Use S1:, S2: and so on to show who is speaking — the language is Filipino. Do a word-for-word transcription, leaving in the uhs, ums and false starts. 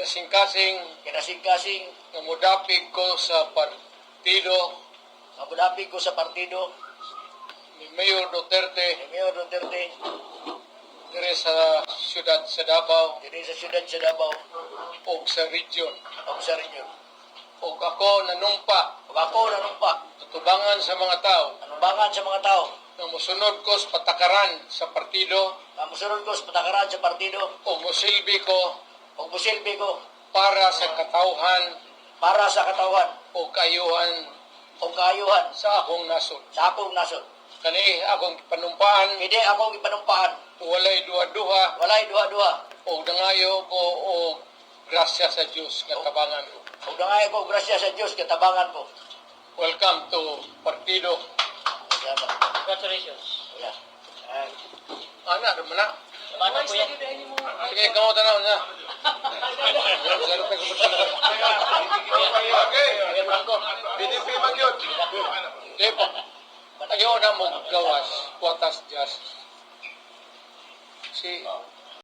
S1: kinasing-kasing
S2: kinasing-kasing
S1: nga modapig ko sa partido
S2: mabudapig ko sa partido
S1: ni Mayor Duterte
S2: ni Mayor Duterte
S1: dire sa siyudad sa Davao
S2: diri sa siyudad sa Davao
S1: o sa region.
S2: o sa region.
S1: O ako nanumpa
S2: Ug ako nanumpa
S1: tutubangan sa mga tao
S2: anubangan sa mga tao
S1: na musunod ko sa patakaran sa partido
S2: nga mosunod ko sa patakaran sa partido
S1: o musilbi ko
S2: ug mosilbi ko
S1: para sa katawhan
S2: para sa katawhan
S1: o kaayuhan
S2: o kaayuhan
S1: sa akong nasod.
S2: sa akong nasod.
S1: Kani akong panumpaan,
S2: Hindi ako ipanumpaan.
S1: walay duha-duha
S2: Walay duha-duha.
S1: o dangayo ko o grasya sa Dios nga tabangan ko.
S2: Ug dangay ko grasya sa Dios katabangan ko.
S1: Welcome to partido.
S2: Salamat.
S3: Congratulations.
S2: Yeah. Ay.
S1: Ana, naman na.
S3: Mana po yan?
S1: Sige, kamo tanaw na. Zero pa ko
S4: B D P magyod.
S1: Di po. Ayaw na mo gawas. Watas just. Si